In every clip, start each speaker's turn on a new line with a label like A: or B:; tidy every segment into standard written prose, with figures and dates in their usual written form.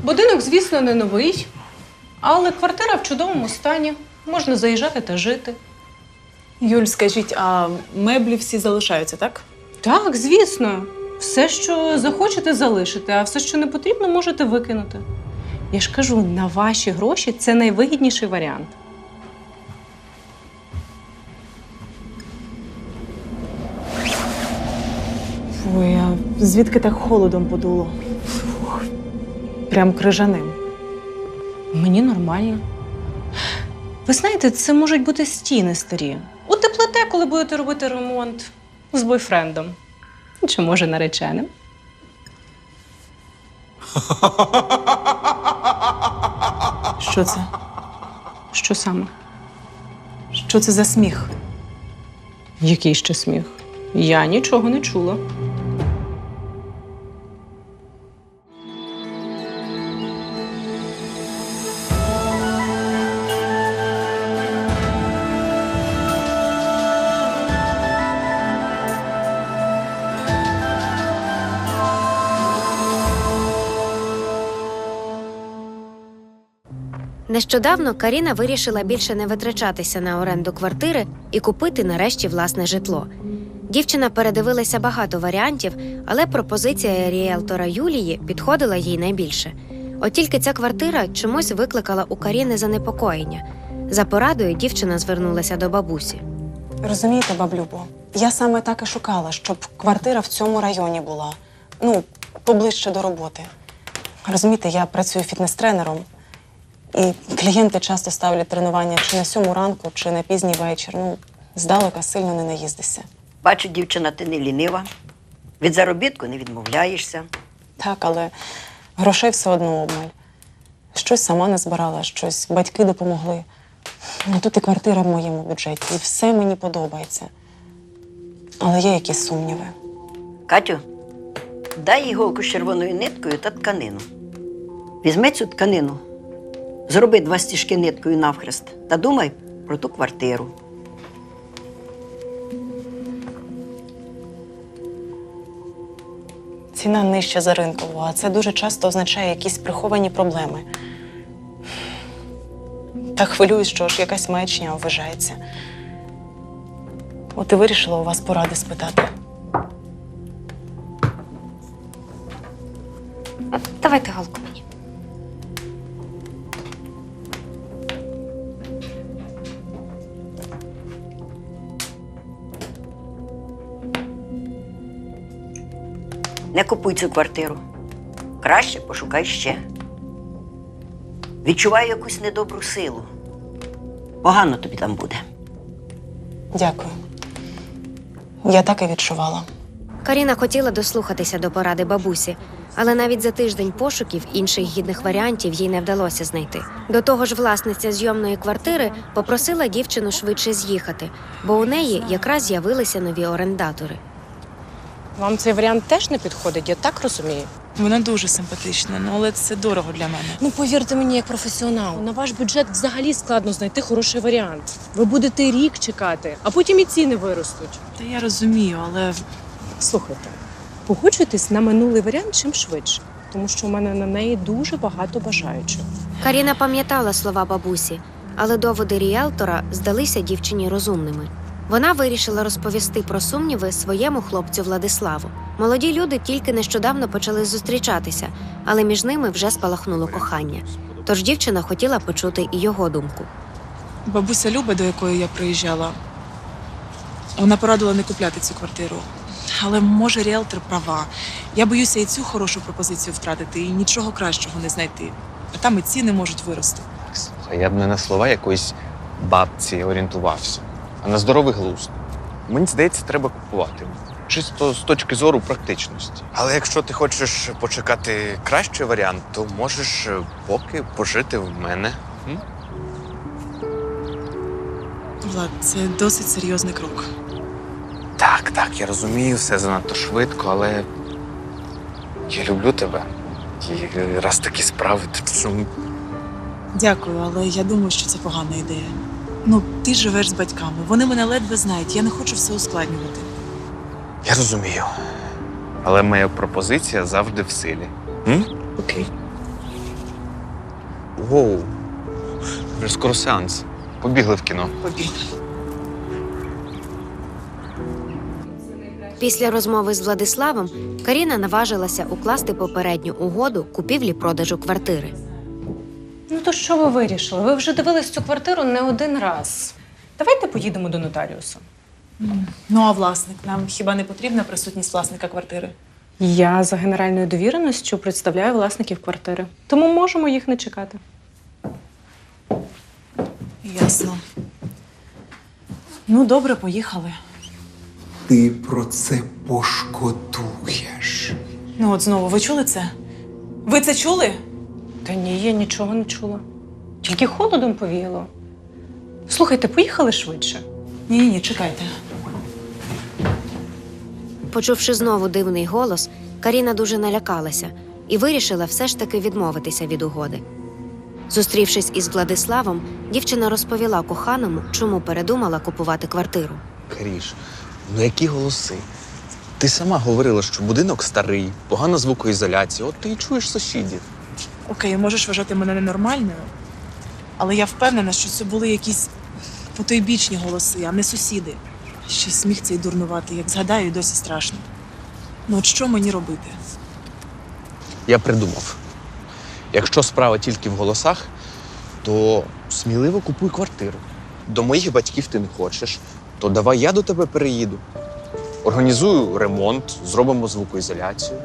A: Будинок, звісно, не новий, але квартира в чудовому стані. Можна заїжджати та жити.
B: Юль, скажіть, а меблі всі залишаються, так?
A: Так, звісно. Все, що захочете, залишите, а все, що не потрібно, можете викинути. Я ж кажу, на ваші гроші це найвигідніший варіант.
B: Ой, а звідки так холодом подуло? Фух, прям крижаним.
A: Мені нормально. Ви знаєте, це можуть бути стіни старі. Утеплите, коли будете робити ремонт з бойфрендом. Чи, може, нареченим.
B: Що це?
A: Що саме?
B: Що це за сміх?
A: Який ще сміх? Я нічого не чула.
C: Нещодавно Каріна вирішила більше не витрачатися на оренду квартири і купити нарешті власне житло. Дівчина передивилася багато варіантів, але пропозиція ріелтора Юлії підходила їй найбільше. От тільки ця квартира чомусь викликала у Каріни занепокоєння. За порадою дівчина звернулася до бабусі.
D: Розумієте, баблюбо, я саме так і шукала, щоб квартира в цьому районі була. Ну, поближче до роботи. Розумієте, я працюю фітнес-тренером, і клієнти часто ставлять тренування чи на 7 ранку, чи на пізній вечір. Ну, здалека сильно не наїздишся.
E: Бачу, дівчина, ти не лінива. Від заробітку не відмовляєшся.
D: Так, але грошей все одно обмаль. Щось сама не збирала, щось батьки допомогли. Ну, тут і квартира в моєму бюджеті, і все мені подобається. Але є якісь сумніви.
E: Катю, дай іголку з червоною ниткою та тканину. Візьми цю тканину, зроби 2 стіжки ниткою навхрест та думай про ту квартиру.
D: Ціна нижча за ринкову, а це дуже часто означає якісь приховані проблеми. Так хвилююсь, що ж якась маячня вважається. От і вирішила у вас поради спитати.
C: Давайте голку мені.
E: Не купуй цю квартиру. Краще пошукай ще. Відчуваю якусь недобру силу. Погано тобі там буде.
D: Дякую. Я так і відчувала.
C: Каріна хотіла дослухатися до поради бабусі, але навіть за тиждень пошуків інших гідних варіантів їй не вдалося знайти. До того ж, власниця зйомної квартири попросила дівчину швидше з'їхати, бо у неї якраз з'явилися нові орендатори.
A: Вам цей варіант теж не підходить, я так розумію?
B: Вона дуже симпатична, але це дорого для мене.
A: Ну, повірте мені, як професіонал, на ваш бюджет взагалі складно знайти хороший варіант. Ви будете рік чекати, а потім і ціни виростуть.
B: Та я розумію, але
A: Слухайте, погоджуйтесь на минулий варіант чим швидше, тому що у мене на неї дуже багато бажаючих.
C: Каріна пам'ятала слова бабусі, але доводи ріелтора здалися дівчині розумними. Вона вирішила розповісти про сумніви своєму хлопцю Владиславу. Молоді люди тільки нещодавно почали зустрічатися, але між ними вже спалахнуло кохання. Тож дівчина хотіла почути і його думку.
B: бабуся Люба, до якої я приїжджала, вона порадила не купляти цю квартиру. Але, може, ріелтор права. Я боюся і цю хорошу пропозицію втратити, і нічого кращого не знайти. А там і ціни можуть вирости.
F: Слухай, я б не на слова якоїсь бабці орієнтувався, а на здоровий глузд. Мені здається, треба купувати. Чисто з точки зору практичності. Але якщо ти хочеш почекати кращий варіант, то можеш поки пожити в мене. М?
B: Влад, це досить серйозний крок.
F: Так, я розумію, все занадто швидко, але я люблю тебе. І раз такі справи, то чому?
B: Дякую, але я думаю, що це погана ідея. Ну, ти живеш з батьками, вони мене ледве знають, я не хочу все ускладнювати.
F: Я розумію. Але моя пропозиція завжди в силі. М?
B: Окей.
F: Воу. Вже скоро сеанс. Побігли в кіно.
B: Побіг.
C: Після розмови з Владиславом Каріна наважилася укласти попередню угоду купівлі-продажу квартири.
A: Ну то що ви вирішили? Ви вже дивились цю квартиру не один раз. Давайте поїдемо до нотаріуса.
B: Ну, а власник? Нам хіба не потрібна присутність власника квартири?
A: Я за генеральною довіреністю представляю власників квартири, тому можемо їх не чекати.
B: Ясно. Ну, добре, поїхали.
G: Ти про це пошкодуєш.
B: Ну, от знову, ви чули це? Ви це чули?
A: Та ні, я нічого не чула. Тільки холодом повіяло. Слухайте, поїхали швидше.
B: Ні, чекайте.
C: Почувши знову дивний голос, Каріна дуже налякалася і вирішила все ж таки відмовитися від угоди. Зустрівшись із Владиславом, дівчина розповіла коханому, чому передумала купувати квартиру.
F: Каріш, ну які голоси? Ти сама говорила, що будинок старий, погана звукоізоляція, от ти і чуєш сусідів.
B: Окей, можеш вважати мене ненормальною, але я впевнена, що це були якісь потойбічні голоси, а не сусіди. Ще й сміх цей дурнуватий, як згадаю, і досі страшно. Ну от що мені робити?
F: Я придумав. Якщо справа тільки в голосах, то сміливо купуй квартиру. До моїх батьків ти не хочеш, то давай я до тебе переїду. Організую ремонт, зробимо звукоізоляцію.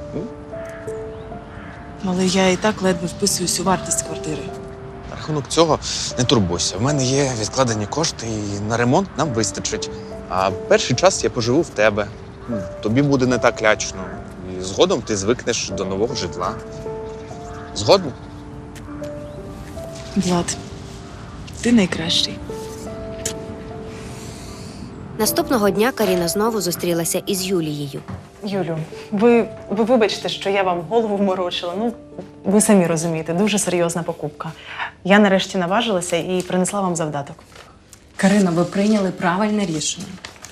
B: Але я і так ледве вписуюсь у вартість квартири.
F: На рахунок цього не турбуйся. В мене є відкладені кошти, і на ремонт нам вистачить. А перший час я поживу в тебе. Тобі буде не так лячно. І згодом ти звикнеш до нового житла. Згодом?
B: Влад, ти найкращий.
C: Наступного дня Каріна знову зустрілася із Юлією.
D: Юлю, ви вибачте, що я вам голову вморочила. Ну, ви самі розумієте, дуже серйозна покупка. Я нарешті наважилася і принесла вам завдаток.
A: Карина, ви прийняли правильне рішення.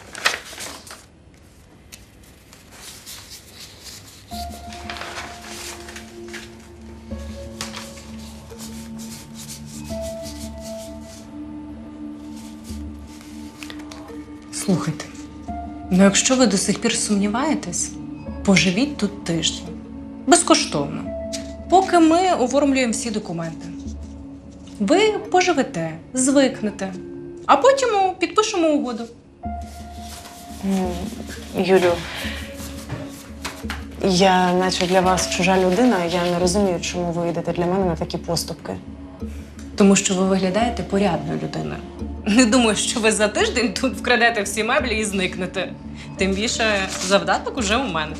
A: Слухайте, ну якщо ви до сих пір сумніваєтесь, поживіть тут тиждень. Безкоштовно. Поки ми оформлюємо всі документи. Ви поживете, звикнете, а потім підпишемо угоду.
D: Юлю, я наче для вас чужа людина, я не розумію, чому ви йдете для мене на такі поступки.
A: Тому що ви виглядаєте порядною людиною. Не думаю, що ви за тиждень тут вкрадете всі меблі і зникнете. Тим більше завдаток уже у мене.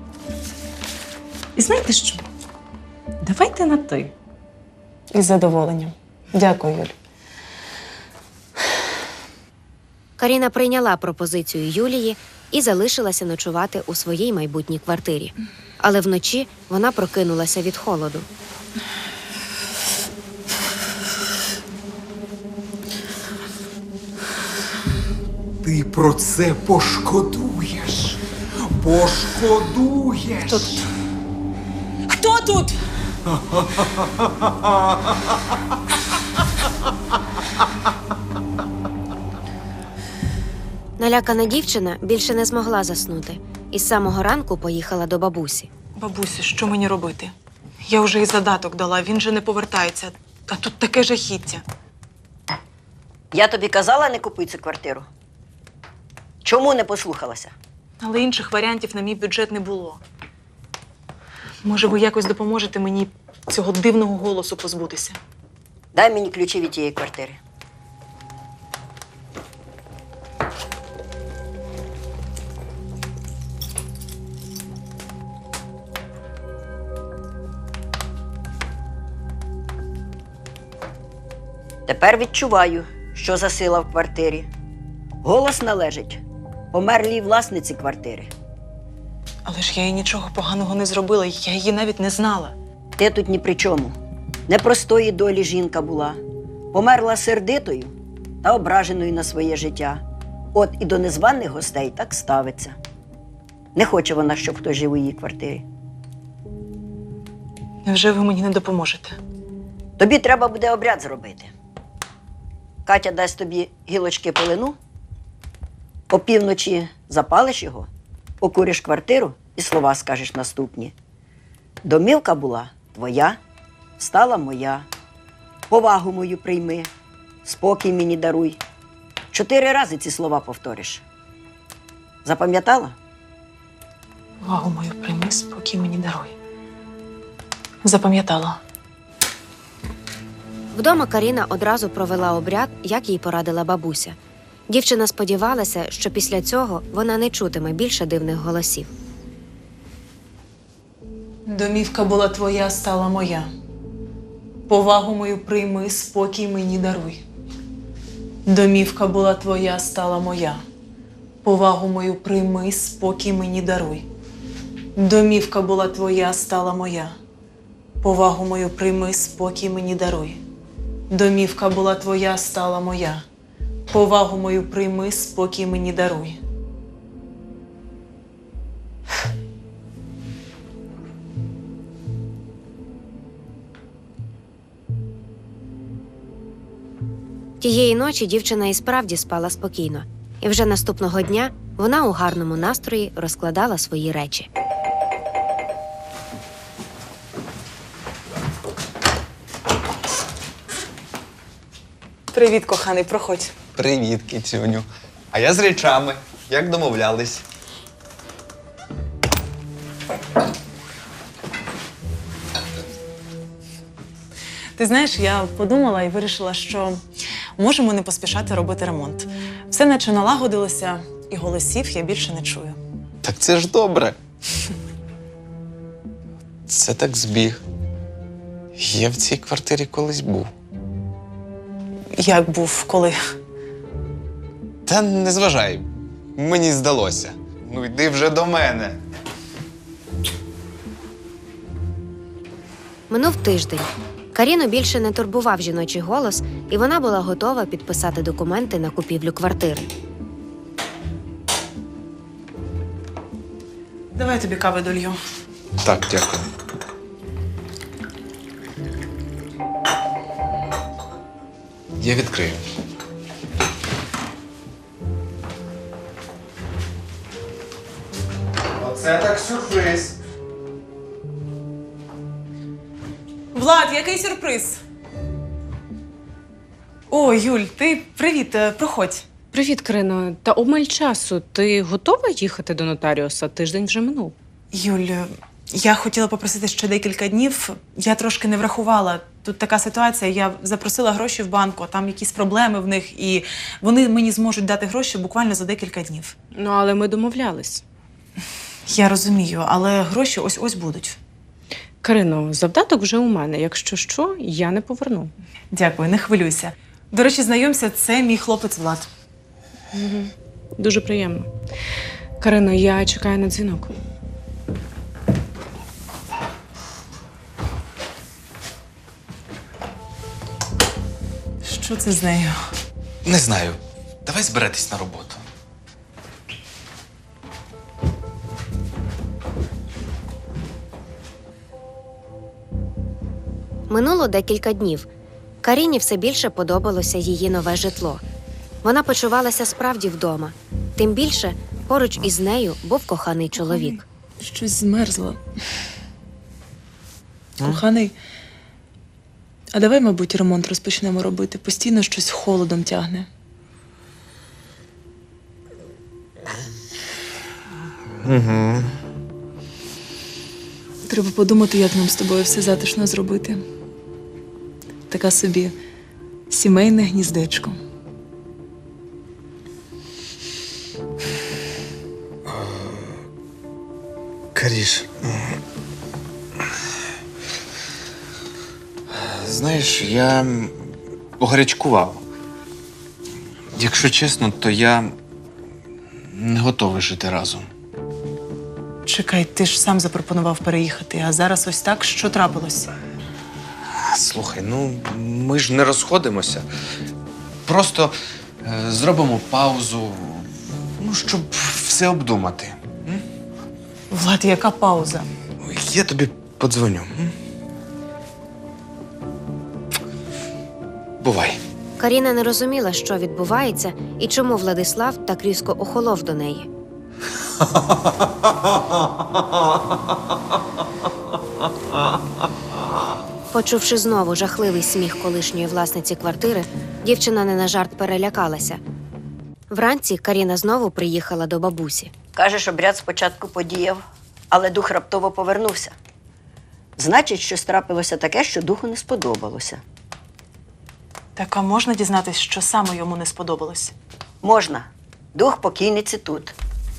A: І знаєте що? Давайте на ти.
D: Із задоволенням. Дякую, Юль.
C: Каріна прийняла пропозицію Юлії і залишилася ночувати у своїй майбутній квартирі. Але вночі вона прокинулася від холоду.
G: Ти про це пошкодуєш. Пошкодуєш.
B: Хто тут?
C: Налякана дівчина більше не змогла заснути і з самого ранку поїхала до бабусі.
D: Бабусю, що мені робити? Я вже і задаток дала, він же не повертається. А тут таке жахіття.
E: Я тобі казала, не купуй цю квартиру. Чому не послухалася?
D: Але інших варіантів на мій бюджет не було. Може, ви якось допоможете мені цього дивного голосу позбутися?
E: Дай мені ключі від тієї квартири. Тепер відчуваю, що за сила в квартирі. Голос належить померлій власниці квартири.
D: Але ж я їй нічого поганого не зробила, я її навіть не знала.
E: Ти тут ні при чому. Непростої долі жінка була. Померла сердитою та ображеною на своє життя. От і до незваних гостей так ставиться. Не хоче вона, щоб хтось жив у її квартирі.
D: Невже ви мені не допоможете?
E: Тобі треба буде обряд зробити. Катя дасть тобі гілочки полину, опівночі запалиш його, окуриш квартиру і слова скажеш наступні. Домівка була твоя, стала моя. Повагу мою прийми, спокій мені даруй. 4 рази ці слова повториш. Запам'ятала?
B: Увагу мою прийми, спокій мені даруй. Запам'ятала.
C: Вдома Каріна одразу провела обряд, як їй порадила бабуся. Дівчина сподівалася, що після цього вона не чутиме більше дивних голосів.
B: Домівка була твоя, стала моя. Повагу мою прийми, спокій мені даруй. Домівка була твоя, стала моя. Повагу мою прийми, спокій мені даруй. Домівка була твоя, стала моя. Повагу мою прийми, спокій мені даруй. Домівка була твоя, стала моя. Повагу мою прийми, спокій мені даруй.
C: Тієї ночі дівчина і справді спала спокійно. І вже наступного дня вона у гарному настрої розкладала свої речі.
B: Привіт, коханий, проходь.
F: Привіт, кицюню. А я з речами, як домовлялись.
B: Ти знаєш, я подумала і вирішила, що можемо не поспішати робити ремонт. Все наче налагодилося, і голосів я більше не чую.
F: Так це ж добре. Це так збіг. Я в цій квартирі колись був.
B: Як був, коли?
F: Та не зважай, мені здалося. Ну йди вже до мене.
C: Минув тиждень. Каріну більше не турбував жіночий голос, і вона була готова підписати документи на купівлю квартири.
B: Давай тобі кави долью.
F: Так, дякую. Я відкрию. Оце так сюрприз.
B: Влад, який сюрприз? О, Юль, ти привіт, проходь.
A: Привіт, Крино. Та обмаль часу. Ти готова їхати до нотаріуса? Тиждень вже минув.
B: Юль, я хотіла попросити ще декілька днів. Я трошки не врахувала. Тут така ситуація, я запросила гроші в банку, а там якісь проблеми в них, і вони мені зможуть дати гроші буквально за декілька днів.
A: Ну, але ми домовлялись.
B: Я розумію, але гроші ось-ось будуть.
A: Крино, завдаток вже у мене. Якщо що, я не поверну.
B: Дякую, не хвилюйся. До речі, знайомся, це мій хлопець Влад.
A: Дуже приємно. Карино, я чекаю на дзвінок.
B: Що це з нею?
F: Не знаю. Давай збиратись на роботу.
C: Минуло декілька днів. Каріні все більше подобалося її нове житло. Вона почувалася справді вдома. Тим більше поруч із нею був коханий чоловік.
B: Щось змерзло. Коханий, а давай, мабуть, ремонт розпочнемо робити. Постійно щось холодом тягне.
F: Угу.
B: Треба подумати, як нам з тобою все затишно зробити. Така собі сімейне гніздечко.
F: Каріш. Знаєш, я погарячкував. Якщо чесно, то я не готовий жити разом.
B: Чекай, ти ж сам запропонував переїхати, а зараз ось так, що трапилось?
F: Слухай, ну ми ж не розходимося. Просто зробимо паузу, ну, щоб все обдумати.
B: Влад, яка пауза?
F: Я тобі подзвоню. Бувай.
C: Каріна не розуміла, що відбувається і чому Владислав так різко охолов до неї. Почувши знову жахливий сміх колишньої власниці квартири, дівчина не на жарт перелякалася. Вранці Каріна знову приїхала до бабусі.
E: Кажеш, обряд спочатку подіяв, але дух раптово повернувся. Значить, щось трапилося таке, що духу не сподобалося.
B: Так, а можна дізнатись, що саме йому не сподобалось?
E: Можна. Дух покійниці тут.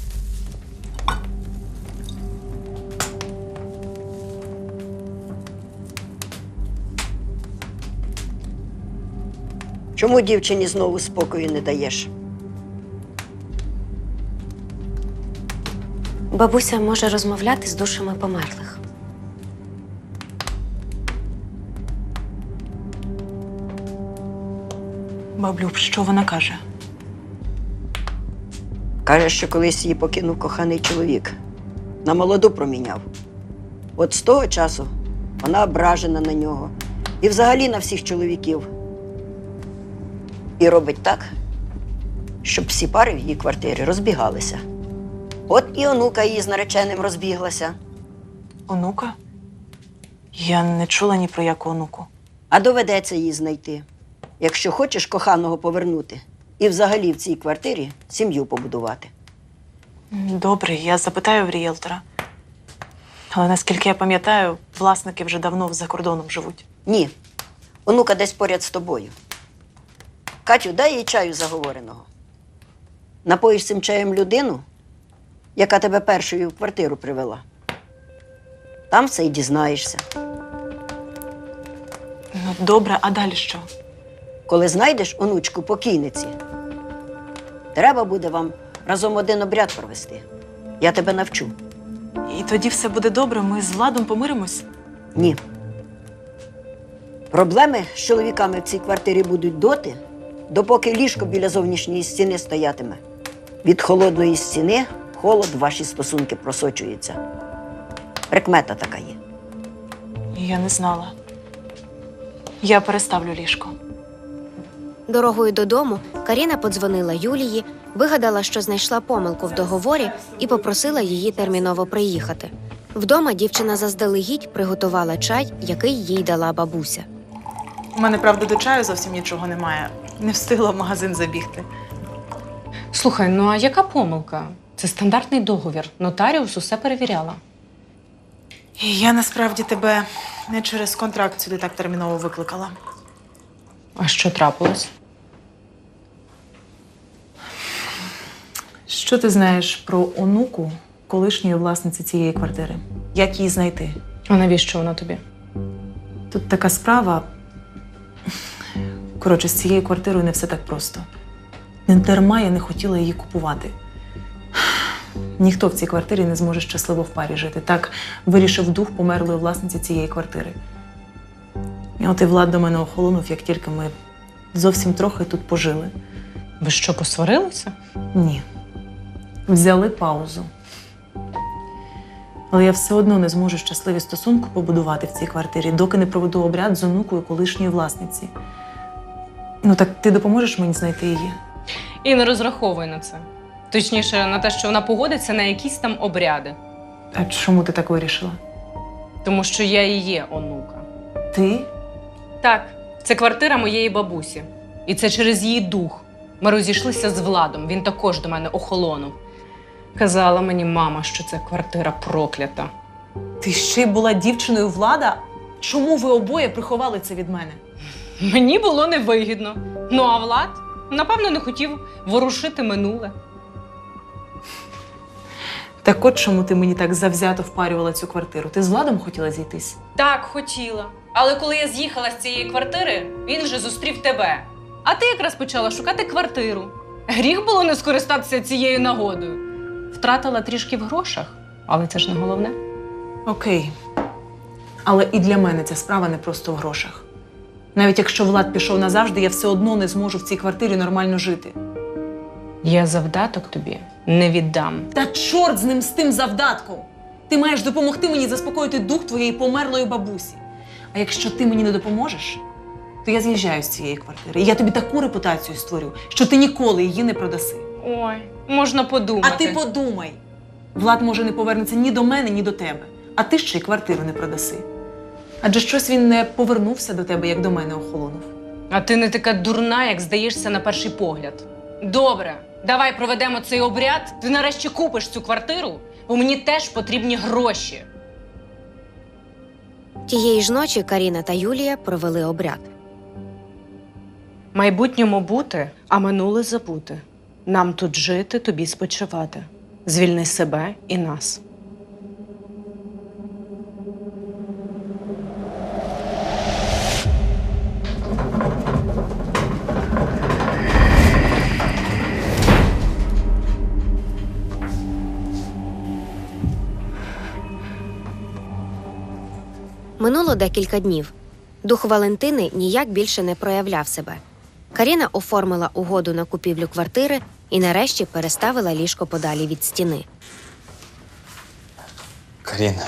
E: Чому дівчині знову спокою не даєш?
C: Бабуся може розмовляти з душами померлих.
B: Баблюб, що вона каже?
E: Каже, що колись її покинув коханий чоловік. На молоду проміняв. От з того часу вона ображена на нього. І взагалі на всіх чоловіків. І робить так, щоб всі пари в її квартирі розбігалися. От і онука її з нареченим розбіглася.
B: Онука? Я не чула ні про яку онуку.
E: А доведеться її знайти. Якщо хочеш коханого повернути. І взагалі в цій квартирі сім'ю побудувати.
B: Добре, я запитаю в рієлтора. Але наскільки я пам'ятаю, власники вже давно за кордоном живуть.
E: Ні. Онука десь поряд з тобою. Катю, дай їй чаю заговореного. Напоїш цим чаєм людину, яка тебе першою в квартиру привела. Там все й дізнаєшся.
B: Ну, добре, а далі що?
E: Коли знайдеш онучку покійниці, треба буде вам разом один обряд провести. Я тебе навчу.
B: І тоді все буде добре, ми з Владом помиримось?
E: Ні. Проблеми з чоловіками в цій квартирі будуть доти, допоки ліжко біля зовнішньої стіни стоятиме. Від холодної стіни в холод ваші стосунки просочуються. Прикмета така є.
B: Я не знала. Я переставлю ліжко.
C: Дорогою додому Каріна подзвонила Юлії, вигадала, що знайшла помилку в договорі і попросила її терміново приїхати. Вдома дівчина заздалегідь приготувала чай, який їй дала бабуся.
B: У мене, правда, до чаю зовсім нічого немає. Не встигла в магазин забігти.
A: Слухай, ну а яка помилка? Це стандартний договір. Нотаріус усе перевіряла.
B: І я насправді тебе не через контракт сюди так терміново викликала.
A: А що трапилось?
B: Що ти знаєш про онуку колишньої власниці цієї квартири? Як її знайти?
A: А навіщо вона тобі?
B: Тут така справа. Коротше, з цією квартирою не все так просто. Не дарма я не хотіла її купувати. Ніхто в цій квартирі не зможе щасливо в парі жити. Так вирішив дух померлої власниці цієї квартири. І от і Влад до мене охолонув, як тільки ми зовсім трохи тут пожили.
A: Ви що, посварилися?
B: Ні. Взяли паузу. Але я все одно не зможу щасливі стосунки побудувати в цій квартирі, доки не проведу обряд з онукою колишньої власниці. Ну так ти допоможеш мені знайти її?
A: І не розраховуй на це. Точніше, на те, що вона погодиться на якісь там обряди.
B: А чому ти так вирішила?
A: Тому що я і є онука.
B: Ти?
A: Так, це квартира моєї бабусі. І це через її дух. Ми розійшлися з Владом, він також до мене охолонув. Казала мені мама, що це квартира проклята.
B: Ти ще й була дівчиною Влада? Чому ви обоє приховали це від мене?
A: Мені було невигідно. Ну а Влад, напевно, не хотів ворушити минуле.
B: Так от чому ти мені так завзято впарювала цю квартиру? Ти з Владом хотіла зійтись?
A: Так, хотіла. Але коли я з'їхала з цієї квартири, він вже зустрів тебе. А ти якраз почала шукати квартиру. Гріх було не скористатися цією нагодою. Втратила трішки в грошах, але це ж не головне.
B: Окей. Але і для мене ця справа не просто в грошах. Навіть якщо Влад пішов назавжди, я все одно не зможу в цій квартирі нормально жити.
A: Я завдаток тобі не віддам.
B: Та чорт з ним, з тим завдатком! Ти маєш допомогти мені заспокоїти дух твоєї померлої бабусі. А якщо ти мені не допоможеш,
D: то я з'їжджаю з цієї квартири. І я тобі таку репутацію створю, що ти ніколи її не продаси.
A: Ой, можна подумати.
D: А ти подумай. Влад може не повернеться ні до мене, ні до тебе. А ти ще й квартиру не продаси. Адже щось він не повернувся до тебе, як до мене охолонув.
A: А ти не така дурна, як здаєшся на перший погляд. Добре, давай проведемо цей обряд. Ти нарешті купиш цю квартиру, бо мені теж потрібні гроші.
C: Тієї ж ночі Каріна та Юлія провели обряд.
A: Майбутньому бути, а минуле забути. Нам тут жити, тобі спочивати. Звільни себе і нас.
C: Минуло декілька днів. Дух Валентини ніяк більше не проявляв себе. Каріна оформила угоду на купівлю квартири і нарешті переставила ліжко подалі від стіни.
F: Каріна.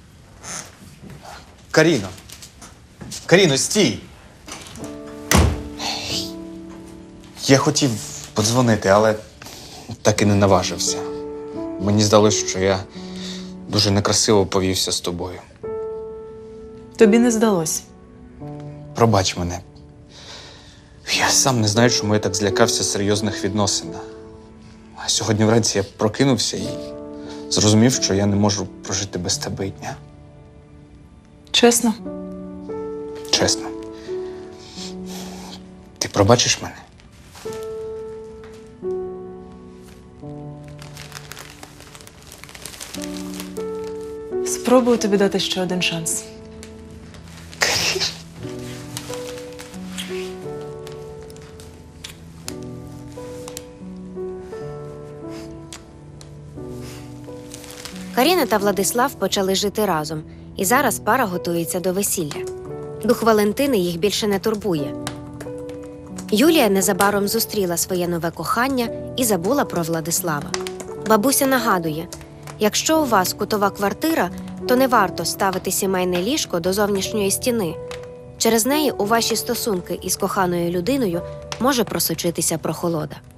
F: Каріно. Каріно, стій! Я хотів подзвонити, але так і не наважився. Мені здалося, що я дуже некрасиво повівся з тобою.
D: Тобі не здалось.
F: Пробач мене. Я сам не знаю, чому я так злякався серйозних відносин. А сьогодні вранці я прокинувся і зрозумів, що я не можу прожити без тебе і дня.
D: Чесно?
F: Чесно. Ти пробачиш мене?
D: Спробую тобі дати ще один шанс.
C: Каріна та Владислав почали жити разом, і зараз пара готується до весілля. Дух Валентини їх більше не турбує. Юлія незабаром зустріла своє нове кохання і забула про Владислава. Бабуся нагадує, якщо у вас кутова квартира, то не варто ставити сімейне ліжко до зовнішньої стіни. Через неї у ваші стосунки із коханою людиною може просочитися прохолода.